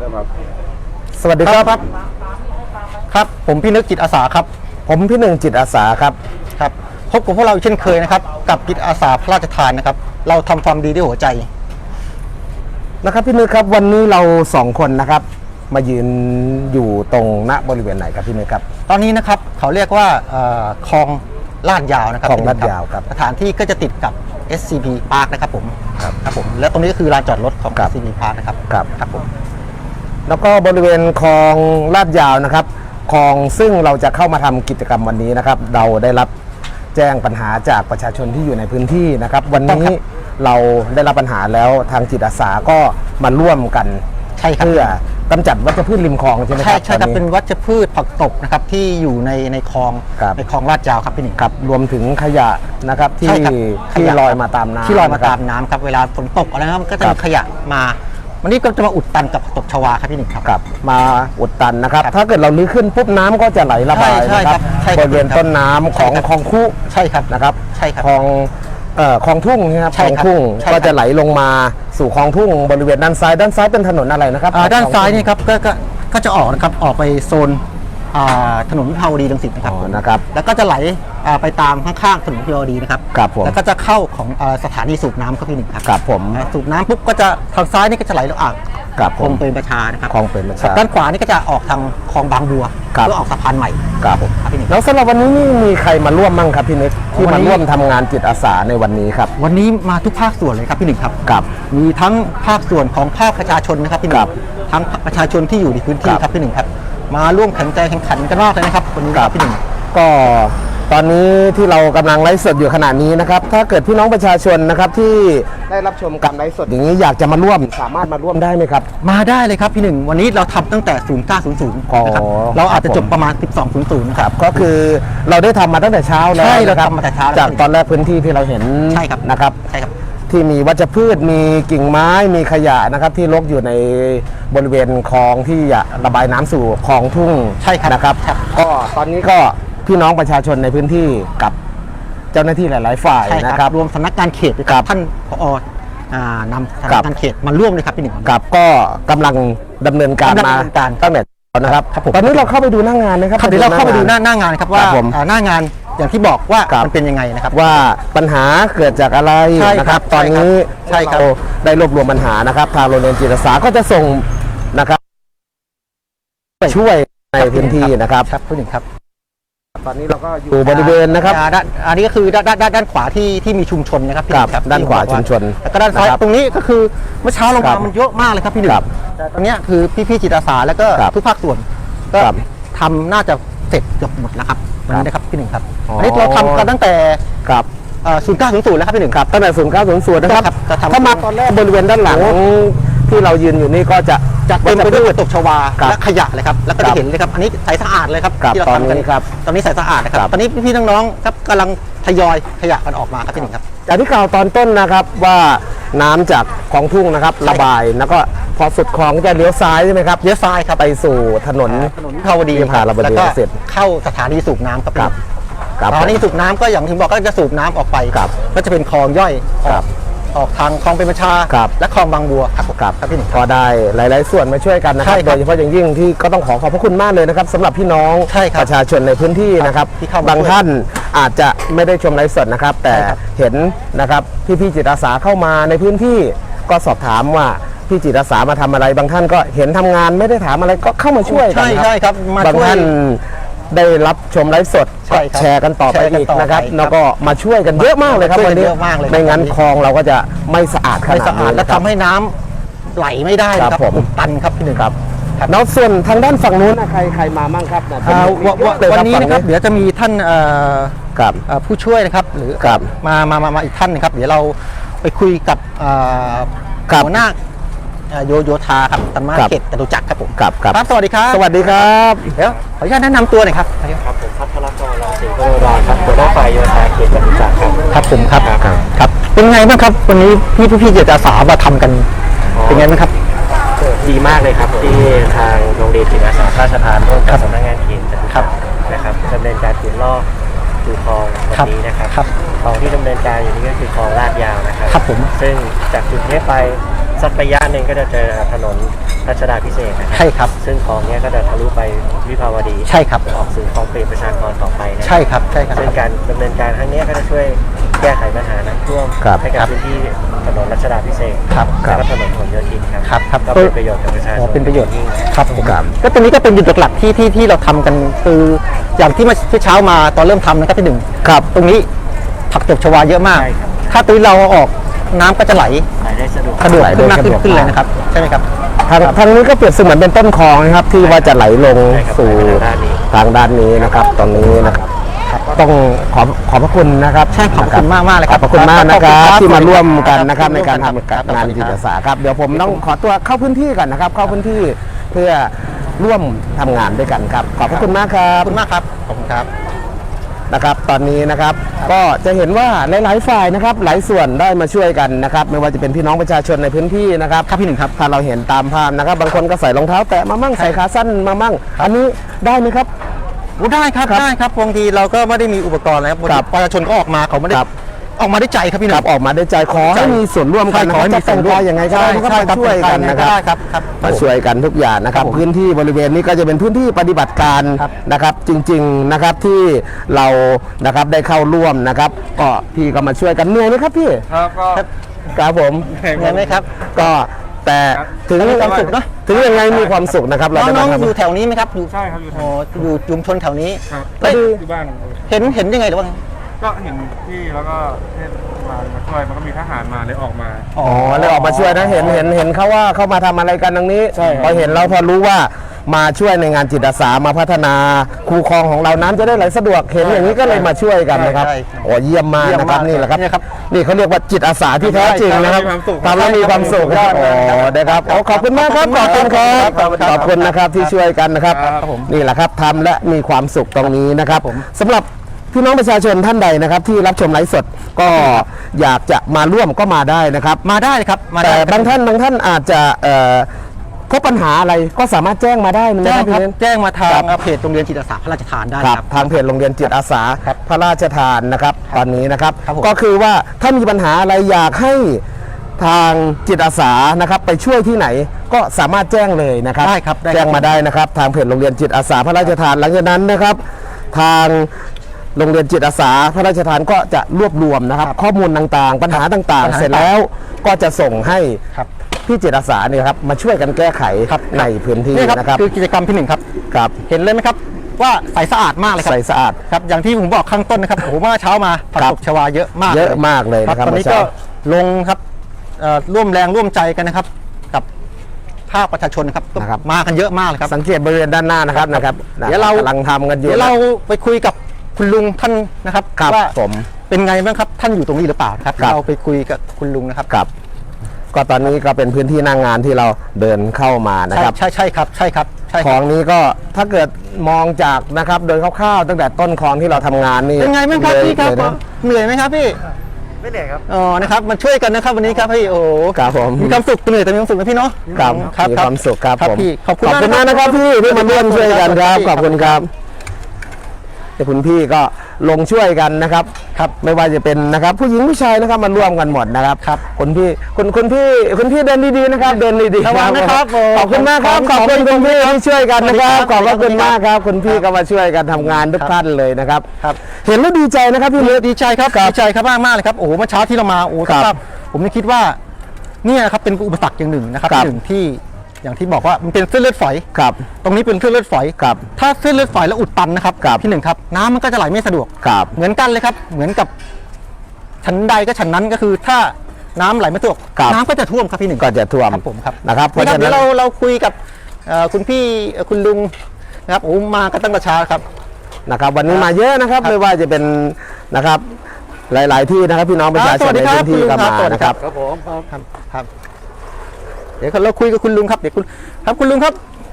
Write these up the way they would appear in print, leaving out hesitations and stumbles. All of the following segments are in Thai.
สวัสดีครับครับผมพี่นึกจิตอาสาครับผมพี่หนึ่งจิตอาสาครับครับพบกับพวกเราเช่นเคยนะครับกับจิตอาสาพระราชทานนะครับเราทำความดีด้วยหัวใจนะครับพี่นึกครับวันนี้เรา2 คนนะครับมายืนอยู่ตรงณบริเวณไหนครับพี่นึกครับตอนนี้นะครับเขาเรียกว่าคลองลาดยาวนะครับคลองลาดยาวครับสถานที่ก็จะติดกับ SCP Park นะครับผมครับผมและตรงนี้ก็คือลานจอดรถของ SCP Park นะครับครับผมแล้วก็บริเวณคลองลาดยาวนะครับคลองซึ่งเราจะเข้ามาทำกิจกรรมวันนี้นะครับเราได้รับแจ้งปัญหาจากประชาชนที่อยู่ในพื้นที่นะครับวันนี้เราได้รับปัญหาแล้วทางจิตอาสาก็มาร่วมกันเพื่อกำจัดวัชพืชริมคลองใช่ไหมครับใช่ครับเป็นวัชพืชผักตบนะครับที่อยู่ในคลองลาดยาวครับพี่หนึ่งครับรวมถึงขยะนะครับที่ลอยมาตามน้ำครับเวลาฝนตกอะไรนะครับก็จะมีขยะมาวันนี้ก็จะมาอุดตันกับตบชวาครับพี่หนึ่งครับมาอุดตันนะครับถ้าเกิดเราลื้อขึ้นปุ๊บน้ำก็จะไหลระบายนะครับบริเวณต้นน้ำของคลองคู่ใช่ครับนะครับใช่ครับคลองทุ่งนะครับคลองทุ่งก็จะไหลลงมาสู่คลองทุ่งบริเวณด้านซ้ายเป็นถนนอะไรนะครับด้านซ้ายนี่ครับก็จะออกนะครับออกไปโซนถนนวิภาวดีรังสิตนะครับแล้วก็จะไหลไปตามข้างๆถนนวิภาวดีนะครับแล้วก็จะเข้าของสถานีสูบน้ำครับพี่หนึ่งครับผมสูบน้ำปุ๊บก็จะทางซ้ายนี่ก็จะไหลลงคลองเป็นประชานะครับคลองเป็นประชาด้านขวานี่ก็จะออกทางคลองบางบัวเพื่อออกสะพานใหม่ครับผมแล้วสำหรับวันนี้มีใครมาร่วมมั่งครับพี่นิดที่มาร่วมทำงานจิตอาสาในวันนี้ครับวันนี้มาทุกภาคส่วนเลยครับพี่หนึ่งครับมีทั้งภาคส่วนของภาคประชาชนนะครับพี่หนึ่งทั้งประชาชนที่อยู่ในพื้นที่ครับพี่หนึ่งครับมาร่วมแข่งขันกันมากเลยนะครับวันนี้ครับพี่หนึ่งก็ตอนนี้ที่เรากำลังไลฟ์สดอยู่ขณะนี้นะครับถ้าเกิดพี่น้องประชาชนนะครับที่ได้รับชมการไลฟ์สดอย่างนี้อยากจะมาร่วมสามารถมาร่วมได้ไหมครับมาได้เลยครับพี่หนึ่งวันนี้เราทำตั้งแต่09:00นะครับเราอาจจะจบประมาณ12:00 ครับก็คือเราได้ทำมาตั้งแต่เช้าแล้วใช่เราทำมาแต่เช้าจากตอนแรกพื้นที่ที่เราเห็นใช่ครับนะครับใช่ครับที่มีวัชพืชมีกิ่งไม้มีขยะนะครับที่รกอยู่ในบริเวณคลองที่ระบายน้ำสู่คลองทุ่งใช่ครับนะครับก็ตอนนี้ก็พี่น้องประชาชนในพื้นที่กับเจ้าหน้าที่หลายๆฝ่ายนะครับรวมสำนักงานเขตครับท่านผอนำสำนักงานเขตมาร่วมเลยครับพี่หนึ่งครับก็กำลังดำเนินการมาตั้งแต่นะครับตอนนี้เราเข้าไปดูหน้างานนะครับเดี๋ยวเราเข้าไปดูหน้างานครับว่าหน้างานอย่างที่บอกว่ามันเป็นยังไงนะครับว่าปัญหาเกิดจากอะไรนะครับตอนนี้เราได้รวบรวมปัญหานะครับทางโรงเรียนจิตอาสาก็จะส่งนะครับช่วยในพื้นที่นะครับผู้หญิงครับตอนนี้เราก็อยู่บริเวณนะครับอันนี้ก็คือด้านขวาที่มีชุมชนนะครับด้านขวาชุมชนแล้วก็ด้านซ้ายตรงนี้ก็คือเมื่อเช้าลงมามันเยอะมากเลยครับพี่หนึ่งแต่ตรงนี้คือพี่จิตอาสาแล้วก็ทุกภาคส่วนก็ทำน่าจะเสร็จเกือบหมดแล้วครับวันนี้นะครับพี่หนึ่งครับอันนี้เราทำกันตั้งแต่09:00แล้วครับพี่หนึ่งครับตั้งแต่09:00นะครับถ้ามาตอนแรกบริเวณด้านหลังที่เรายืนอยู่นี่ก็จะเต็มไปด้วยตกชวาและขยะเลยครับแล้วก็จะเห็นเลยครับอันนี้ใสสะอาดเลยครับที่เราทำกันครับตอนนี้ใสสะอาดนะครับตอนนี้พี่น้องๆครับกำลังทยอยขยะกันออกมาครับพี่หนึ่งครับจากที่กล่าวตอนต้นนะครับว่าน้ำจากคลองทุ่งนะครับระบายแล้วก็พอสุดคลองจะเลี้ยวซ้ายใช่ไหมครับเลี้ยวซ้ายครับไปสู่ถนนภาวดีแล้วก็เสร็จเข้าสถานีสูบน้ำครับสถานีสูบน้ำก็อย่างที่บอกก็จะสูบน้ำออกไปก็จะเป็นคลองย่อยออกทางคลองเป็นประชาและคลองบางบัวครับพี่หนึ่งก็ได้หลายๆส่วนมาช่วยกันนะครับโดยเฉพาะอย่างยิ่งที่ก็ต้องขอบพระคุณมากเลยนะครับสำหรับพี่น้องประชาชนในพื้นที่นะครับบางท่านอาจจะไม่ได้ชมไลฟ์สดนะครับแต่เห็นนะครับพี่จิตอาสาเข้ามาในพื้นที่ก็สอบถามว่าพี่จิตอาสามาทำอะไรบางท่านก็เห็นทำงานไม่ได้ถามอะไรก็เข้ามาช่วยกันครับบางท่านได้รับชมไลฟ์สดแชร์กันต่อไปอีกนะครับแล้วก็มาช่วยกันเยอะมากเลยครับวันนี้ไม่งั้นคลองเราก็จะไม่สะอาดขนาดนี้และทำให้น้ำไหลไม่ได้ครับผมตันครับพี่หนึ่งครับแล้วส่วนทางด้านฝั่งนู้นใครมามั่งครับวันนี้นะครับเดี๋ยวจะมีท่านผู้ช่วยนะครับหรือมาอีกท่านนะครับเดี๋ยวเราไปคุยกับหัวหน้าโยธาครับตำรวจเขตจตุจักรครับผมครับสวัสดีครับสวัสดีครับเดี๋ยวขออนุญาตแนะนำตัวหน่อยครับครับผมพัทรกรรังสีโกรอนครับหัวหน้าฝ่ายโยธาเขตจตุจักรครับผมครับเป็นไงบ้างครับวันนี้พี่จิตอาสามาทำกันเป็นไงบ้างครับดีมากเลยครับที่ทางโรงเรียนจิตอาสาพระราชทานร่วมกับสำนักงานเขตจตุจักรนะครับดำเนินการขุดลอกสู่คลองวันนี้นะครับคลองที่ดำเนินการอยู่นี้ก็คือคลองลาดยาวนะครับผมซึ่งจากจุดนี้ไปสักระยะหนึ่งก็จะเจอถนนรัชดาพิเศษกนะใช่ครับซึ่งคลองเนี้ยก็จะทะลุไปวิภาวดีใช่ครับออกสู่คลองเปรมประชากรต่อไปนะใช่ครับใช่ครับซึ่งการดำเนินการครั้งเนี้ยก็จะช่วยแก้ไขปัญหาน้ำท่วมครับให้กับพื้นที่ถนนรัชดาพิเศษกครับแล้วก็ถนนผลโยธินครับครับก็เป็นประโยชน์กับประชาชอ๋อน เป็นประโยชน์ยิ่งครับผมครับก็ตรงนี้ก็เป็นจุดหลักๆที่เราทำกันคืออย่างที่เมื่อเช้ามาตอนเริ่มทำนะครับที่หนึ่งครับตรงนี้ผักตบชวาเยอะมากใช่ครับถ้าตรงนี้เราเอาออกน้ำก็จะไหลขายได้สะดวกสะดวกไหลได้ขึ้นมากสะดวกขึ้นเลยนะครับใช่ไหมครับทางนี้ก็เปรียบเสมือนเป็นต้นคลองนะครับที่ว่าจะไหลลงใช่ครับสู่ด้านนี้ทางด้านนี้นะครับตรงนี้นะครับต้องขอบพระคุณนะครับใช่ขอบคุณมากๆเลยคขรัอบบ พระคุณมากนะครับขอบคุณครับที่มาร่วมกันครับนะครับในการทำครับงานจิตอาสาครับเดี๋ยวผมต้องขอตัวเข้าพื้นที่ก่อนนะครับ เข้าพื้นที่เพื่อร่วมทำงานด้วยกันครับขอบพระคุณมากครัขบอบคุณมากครับขอบคุณครับนะครับตอนนี้นะครับก็จะเห็นว่าหลายๆฝ่ายนะครับหลายส่วนได้มาช่วยกันนะครับไม่ว่าจะเป็นพี่น้องประชาชนในพื้นที่นะครับครับพี่หนึ่งครับถ้าเราเห็นตามภาพนะครับ บางคนก็ใส่รองเท้าแตะมามั่งใส่ขาสั้นมามั่งอันนี้ได้ไหมครับได้ครับครับได้ครับบางทีเราก็ไม่ได้มีอุปกรณ์อะไรครับครับประชาชนก็ออกมาเขาไม่ได้ครับออกมาด้วยใจครับพี่หคนึ่รับงออกมาด้วยใจขอให้มีส่วนร่วมกันขอให้มีส่วนร่วมจะแต่งกายยังไงก็ได้นะครับใช่มาช่วยกันนะครับได้ครับครับมาช่วยกันทุกอย่างนะครับครับผมพื้นที่บริเวณนี้ก็จะเป็นพื้นที่ปฏิบัติการครับนะครับ จริงๆนะครับที่เรานะครับได้เข้าร่วมนะครับก็พี่ก็มาช่วยกันเหนื่อยไหมครับพี่ครับก็ครับผมเห็นไหมครับก็แต่ถึงมีความสุขเนอะถึงยังไงมีความสุขนะครับเราได้น้มาองๆทำอยู่แถวนี้ไหมครับอยู่ใช่ครับอยู่อ๋ออยู่ชุมชนแถวนี้ครับเอ้ยที่บ้านเห็นยังไงหรือว่าก็เห็นพี่แล้วก็เทศบาลมาช่วยมันก็มีทหารมาเลยออกมาอ๋อเลยออกมาช่วยนะเห็นเขาว่าเขามาทำอะไรกันตรงนี้ใช่ครับพอเห็นเราพอรู้ว่ามาช่วยในงานจิตอาสามาพัฒนาคูคลองของเราน้ำจะได้ไหลสะดวกเห็นอย่างนี้ก็เลยมาช่วยกันนะครับใช่โอ้เยี่ยมมากเยี่ยมนะครับมากนี่แหละครับเนี่ยครับนี่เขาเรียกว่าจิตอาสาที่แท้จริงนะครับทำแล้วมีความสุขทำแล้วมีความสุขยอดโอ้มากครับนะครับโอ้ขอบคุณมากครับขอบคุณครับขอบคุณครับขอบคุณนะครับที่ช่วยกันนะครับครับผมนี่แหละครับทำและมีความสุขตรงนี้นะครับผมสำหรับพี่น้องประชาชนท่านใดนะครับ ที่รับชมไลฟ์สดก็อยากจะมาร่วมก็มาได้นะครับมาได้ครับมาแต่ได้บางท่านอาจจะพบปัญหาอะไรก็สามารถแจ้งมาได้นะแจ้คงรับครับพี่เน้นแจ้งมาทาครังบเพจโรงเรียนจิตอาสาพระราชทานได้ครับครับทางเพจโรงเรียนจิตอาสาครับพระราชทานนะครับตอนนี้นะครับครับผมก็คือว่าถ้ามีปัญหาอะไรอยากให้ทางจิตอาสานะครับไปช่วยที่ไหนก็สามารถแจ้งเลยนะครับได้ครับได้ครับแจ้งมาได้นะครับทางเพจโรงเรียนจิตอาสาพระราชทานหลังจากนั้นนะครับ ทางโรงเรียนจิตอาสาพระราชทานก็จะรวบรวมนะครับข้อมูลต่างๆ ปัญหาต่างปัญหาๆ เสร็จแล้วก็จะส่งให้ครับพี่จิตอาสาเนี่ยครับมาช่วยกันแก้ไขครับในพื้นที่นี่ครับนะครับคือกิจกรรมที่หนึ่งครับครับเห็นเลยไหมครับว่าใสสะอาดมากเลยครับใสสะอาดครับอย่างที่ผมบอกข้างต้นนะครับโอ้โหเมื่อเช้ามาผักครับตบชวาเยอะมากเยอะมากเลยนะครับตอนนี้เมื่อก็เช้าลงครับร่วมแรงร่วมใจกันนะครับ กับภาคประชาชนนะครับก็มากันเยอะมากเลยครับสังเกตบริเวณด้านหน้านะครับนะครับเดี๋ยวเรากำลังทำกันอยู่เดี๋ยวเราไปคุยกับคุณลุงท่านนะครับครับว่าผมเป็นไงบ้างครับท่านอยู่ตรงนี้หรือเปล่าครับครับเราไปคุยกับคุณลุงนะครับครับก็ตอนนี้ก็เป็นพื้นที่หน้างงานที่เราเดินเข้ามานะครับใช่ครับใช่ครับใช่คคลรัอบ งนี้ก็ถ้าเกิดมองจากนะครับโดยคร่าวๆตั้งแต่ต้นคลองที่เราทำงานนี่เป็นไงบ้างครับเลยพี่ครับเลยนะเหนื่อยไหมครับพี่ไม่เหนื่อยครับอ๋อนะครับมาช่วยกันนะครับวันนี้ครับพี่โอ้โหครับผมมีความสุขเหนื่อยแต่มีความสุขนะพี่เนาะครับครับมีความสุขครับผมพี่ขอบคุณมากนะครับพี่ที่มาร่วมช่วยกันครับขอบคุณครับแต่คุณพี่ก็ลงช่วยกันนะครับครับไม่ว่าจะเป็นนะครับผู้หญิงผู้ชายนะครับมาร่วมกันหมดนะครับครับคุณพี่เดินดีๆนะครับเดินดีๆระวังนะครับขอบคุณมากครับขอบคุณคุณพี่ที่ช่วยกันนะครับขอบพระคุณมากครับคุณพี่ก็มาช่วยกันทำงานทุกท่านเลยนะครับครับเห็นแล้วดีใจนะครับพี่เล็กดีใจครับดีใจครับมากๆเลยครับโอ้โหเมื่อเช้าที่เรามาโอ้โหครับครับผมยังคิดว่าเนี่ยครับเป็นอุปสรรคอย่างหนึ่งนะครับครับหนึ่งที่อย่างที่บอกว่ามันเป็นเส้นเลือดฝอยครับตรงนี้เป็นเส้นเลือดฝอยครับถ้าเส้นเลือดฝอยแล้วอุดตันนะครับครับที่หนึ่งครับน้ำมันก็จะไหลไม่สะดวกครับเหมือนกันเลยครับเหมือนกับชั้นใดก็ชั้นนั้นก็คือถ้าน้ำไหลไม่สะดวกครับน้ำก็จะท่วมครับพี่หนึ่งก็จะท่วมครับผมครับนะครับเพราะนี่ครัฉะบเดี๋นั้ยวน เราคุยกับคุณพี่คุณลุงนะครับโอ้มากันตั้งแต่เช้าครับนะครับวันนี้มาเยอะนะครับไม่ว่าจะเป็นนะครับหลาย ๆ ที่นะครับพี่น้องประชาชนในพื้นที่ก็มานะครับครับผมครับเดี๋ยวเราคุยกับคุณลุงครับเดี๋ยวคุณลุงครับ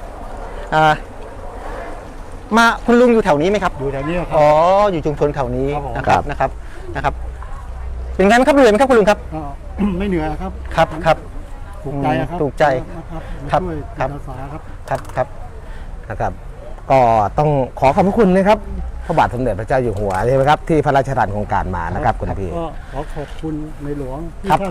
มาคุณลุงอยู่แถวนี้ไหมครับอยู่แถวนี้ครัอ๋บออยู่ชุมชนแถวนี้ครับผมนะครับเป็นไงบ้างครับเหนื่อยไหมครับคุณลุงครับก็ ไม่เหนื่อยครับครับถูกใจครับถูกใจนะครับครับมาช่วยครับจิตอาสาครับครับนะครับก็ต้องขอขอบพระคุณนะครับพระบาทสมเด็จพระเจ้าอยู่หัวใช่ไหมครับที่พระราชทานโครงการมานะครับคุณพี่ก็ขอขอบคุณในหลวงที่ครับท่าน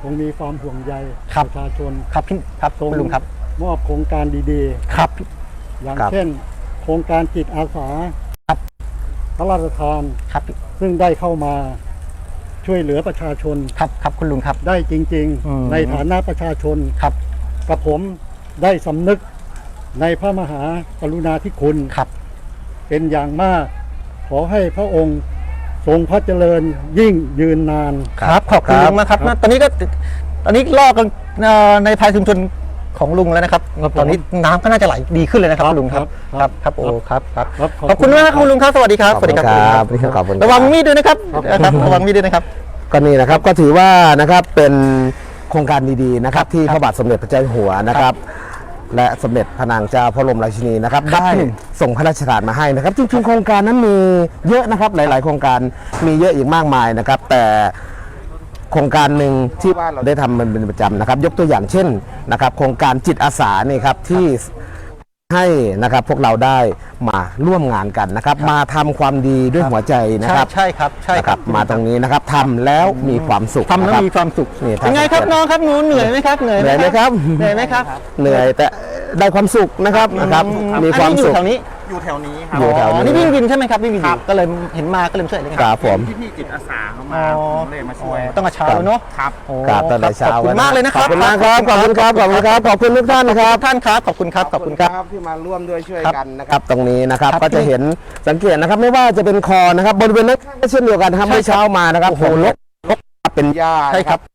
คงมีความห่วงใยครับประชาชนครับพี่ครับทรงคุณลุงครับมอบโครงการดีครับๆ อย่างครับเช่น โครงการจิตอาสาครับพระราชทานครับซึ่งได้เข้ามาช่วยเหลือประชาชนครับครับคุณลุงครับได้จริงอืมๆ ในฐานะประชาชนครับกับผมได้สำนึกในพระมหากรุณาธิคุณครับเป็นอย่างมาก ขอให้พระองค์ทรงพระเจริญยิ่งยืนนานครับขอบคุณลุงมากครับตอนนี้ลอกกันในภายชุมชนของลุงแล้วนะครับ ตอนนี้น้ำก็น่าจะไหลดีขึ้นเลยนะครับคุณลุงครับครับโอ้ครับครับครับขอบคุณมากครับคุณลุงครับสวัสดีครับขอบคุณครับขอบคุณครับระวังมีดด้วยนะครับระวังมีดด้วยนะครับก็นี่นะครับก็ถือว่านะครับเป็นโครงการดีๆนะครับที่พระบาทสมเด็จพระเจ้าอยู่หัวนะครับ และสมเด็จพระนางเจ้าพระบรมราชินีนะครับครับได้ส่งพระราชทานมาให้นะครับจริงๆโครงการนั้นมีเยอะนะครับหลายๆ โครงการมีเยอะอีกมากมายนะครับ แต่โครงการหนึ่งที่ว่าเราได้ทำมันเป็นประจำนะครับ ยกตัวอย่างเช่นนะครับ โครงการจิตอาสานี่ครับที่ให้นะครับพวกเราได้มาร่วมงานกันนะครับ มาทำความดีด้วยหัวใจนะครับใช่ครับใช่นะคครัรับ บมาตรงนี้นะครับทำแล้วมีความสุขทำแล้วนะครับมีความสุขนี่เป็นไงครับน้องครับหนูเหนื่อยไหมครับเหนื่อยเหนื่อยไหมครับเหนื่อยไหมครับเหนื่อยแต่ได้ความสุขนะครับมีความสุขอันนี้อยู่แถวนี้ครับอยู่แถวอ๋อนี่วิ่งวินใช่ไหมครับวิ่งวินอยู่ก็เลยเห็นมาก็เลยมาช่วยเลยครับผมพี่จิตอาสาเข้ามาอ๋อผมเลยมาช่วยต้องกระเช้าเนาะครับโอ้ครับตั้งแต่เช้าขอบคุณมากเลยนะครับขอบคุณมากครับขอบคุณครับขอบคุณครับขอบคุณทุกท่านครับท่านครับขอบคุณครับขอบคุณครับที่มาร่วมด้วยช่วยครับกันนะครับตรงนี้นะครับครับก็จะเห็นสังเกตนะครับไม่ว่าจะเป็นคอนะครับบริเวณนั้นก็เช่นเดียวกันนะครับใช่ครับเมื่อเช้ามานะครับโอ้โหฝนรกเป็นหญ้าใช่ครับ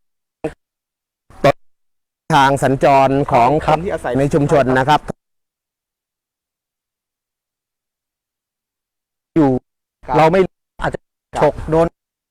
ทางสัญจรของคนที่อาศัยในชุมชนนะครับอยู่ครับเราไม่อาจจะฉกโดน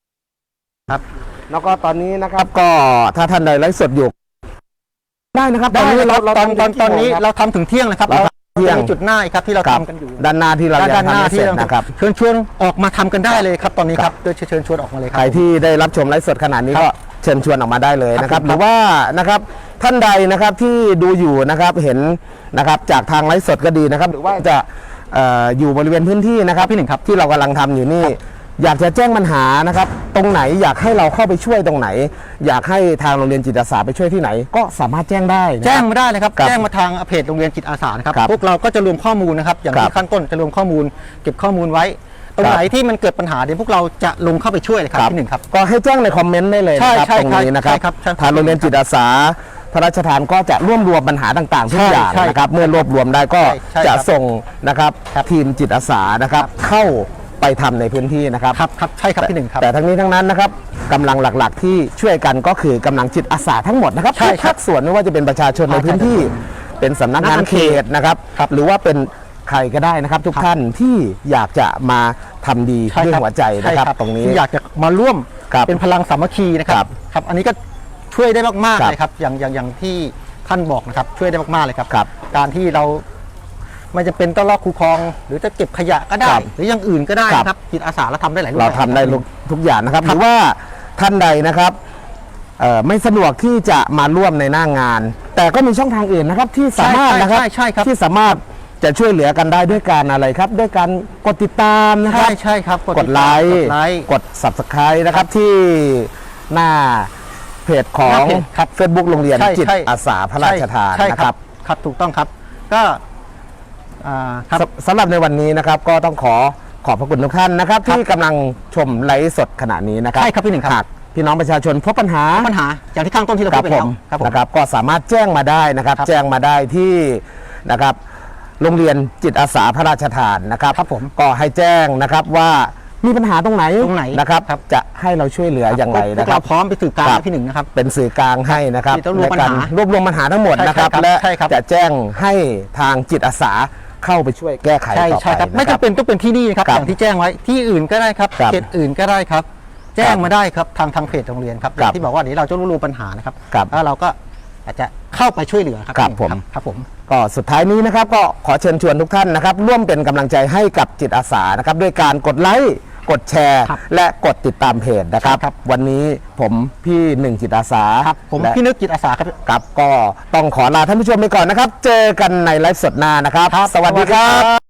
แล้วก็ตอนนี้นะครับก็ถ้าท่านใดไลฟ์สดอยู่ได้นะครับได้ตอนนี้เราเราตอนทำตอนนี้กี่โมงครับเราทำถึงเที่ยงนะครับเราทำเที่ยงจะมีจุดหน้าอีกครับที่เราครับทำกันอยู่ด้านหน้าที่เรายังด้านหทำน้าไม่เสที่ร็จเรานะครับเชิญชวนออกมาทำกันได้เลยครับตอนนี้ครับโดยเชิญชวนออกมาเลยคใครัรบที่ได้รับชมไลฟ์สดขนาดนี้ครับก็เชิญชวนออกมาได้เลยนะครับครับหรือว่านะครับท่านใดนะครับที่ดูอยู่นะครับเห็นนะครับจากทางไลฟ์สดก็ดีนะครับ หรือว่าจะอยู่บริเวณพื้นที่นะครับพี่หนึ่งครับที่เรากำลังทำอยู่นี่อยากจะแจ้งปัญหานะครับ ตรงไหนอยากให้เราเข้าไปช่วยตรงไหน อยากให้ทางโรงเรียนจิตอาสาไปช่วยที่ไหน ก็สามารถแจ้งได้นะครับแจ้งมาได้เลยครับครับแจ้งมาทางเพจโรงเรียนจิตอาสานะครับครับพวกเราก็จะรวมข้อมูลนะครับอย่างครัที่บขั้นต้นจะรวมข้อมูล เก็บข้อมูลไว้ ตรงครับไหนที่มันเกิดปัญหาเดี๋ยวพวกเราจะลงเข้าไปช่วยเลยครับพี่หนึ่งครับก็ให้แจ้งในคอมเมนต์ได้เลยนะครับใช่ตรงนี้นะครับใช่ครับใช่ครับทางโรงเรียนจิตอาสาพระราชทานก็จะรวบรวมปัญหาต่างๆทุกอย่างใช่นะครับเมื่อรวบรวมได้ก็ใช่จะครับส่งนะครับทีมจิตอาสานะครับเข้าไปทำในพื้นที่นะครับครับใช่ครับพี่หนึ่งครับแต่ทั้งนี้ทั้งนั้นนะครับกำลังหลักๆที่ช่วยกันก็คือกำลังจิตอาสาทั้งหมดนะครับใช่ทุกครัภาบคส่วนไม่ว่าจะเป็นประชาชนในพื้นที่ เป็นสำนักงานเขตนะครับ หรือว่าเป็นใครก็ได้นะครับ ทุกท่านที่อยากจะมาทำดีใช่ด้วยครับหัวใจนะครับใช่ตรงนี้ที่อยากจะมาร่วมครับเป็นพลังสามัคคีนะคครัรับบ ครับอันนี้ก็ช่วยได้มากๆครับเลยครับอย่างที่ท่านบอกนะครับช่วยได้มากๆเลยครับครับการที่เราไม่จะเป็นต้องลอกคูคลอง หรือจะเก็บขยะก็ได้ครับหรืออย่างอื่นก็ได้ครับนะครับจิตอาสาเราทำได้หลายรูปเราแบบทำได้ทุกอย่างนะครับหรือว่าท่านใดนะครับไม่สะดวกที่จะมาร่วมในหน้างาน แต่ก็มีช่องทางอื่นนะครับที่สามารถนะครับใช่ครับที่สามารถจะช่วยเหลือกันได้ด้วยการอะไรครับ ด้วยการกดติดตามนะคใช่รับใช่ครับกดไลค์กด subscribe นะครับที่หน้าเพจของหน้าเพจครับ Facebook โรงเรียนใช่จิตใช่อาสาพระราชทานใช่นะครับครับถูกต้องครับก็ครับสำหรับในวันนี้นะครับก็ต้องขอบพระคุณทุกท่านนะครับ ที่กำลังชมไลฟ์สดขณะนี้นะครับใช่ครับพี่หนึ่งครับหากพี่น้องประชาชนพบปัญหาปัญหาอย่างที่ข้างต้นที่เราคพูรัดบไปผแล้วมครับผมนะครับก็สามารถแจ้งมาได้นะครับครับแจ้งมาได้ที่นะครับโรงเรียนจิตอาสาพระราชทานนะครับครับผมก็ให้แจ้งนะครับว่ามีปัญหาตรงไหนตรงไหนนะครับครับจะให้เราช่วยเหลืออย่างไรพวนะกครัเราบพร้อมไปสื่อกลางครับให้พี่หนึ่งนะครับเป็นสื่อกลางให้นะครับที่ต้องรวมปัญหาในกรวบรวมปัญหาทั้งหมดใช่นะครับครับและใช่ครับจะแจ้งให้ทางจิตอาสาเข้าไปช่วยแก้ไขใช่ต่อใช่ไปครับไม่นะครัจำเป็นต้องเป็นที่นี่นะครับครับอย่างที่แจ้งไว้ที่อื่นก็ได้ครับครับเขตอื่นก็ได้ครับ แจ้ครังบมาได้ครับทางเพจโรงเรียนครับอครัย่าบงที่บอกว่าเดี๋ยวเราจะรู้ปัญหานะครับครับแล้วเราก็อาจจะเข้าไปช่วยเหลือครับครับผมครับผมก็สุดท้ายนี้นะครับก็ขอเชิญชวนทุกท่านนะครับ ร่วมเป็นกำลังใจให้กับจิตอาสานะครับด้วยการกดไลค์กดแชร์ครับและกดติดตามเพจนะครับครับวันนี้ผมพี่หนึ่งจิตอาสาครับผมและพี่นึกจิตอาสาครับครับก็ต้องขอลาท่านผู้ชมไปก่อนนะครับ เจอกันในไลฟ์สดหน้านะครับ สวัสดีครับ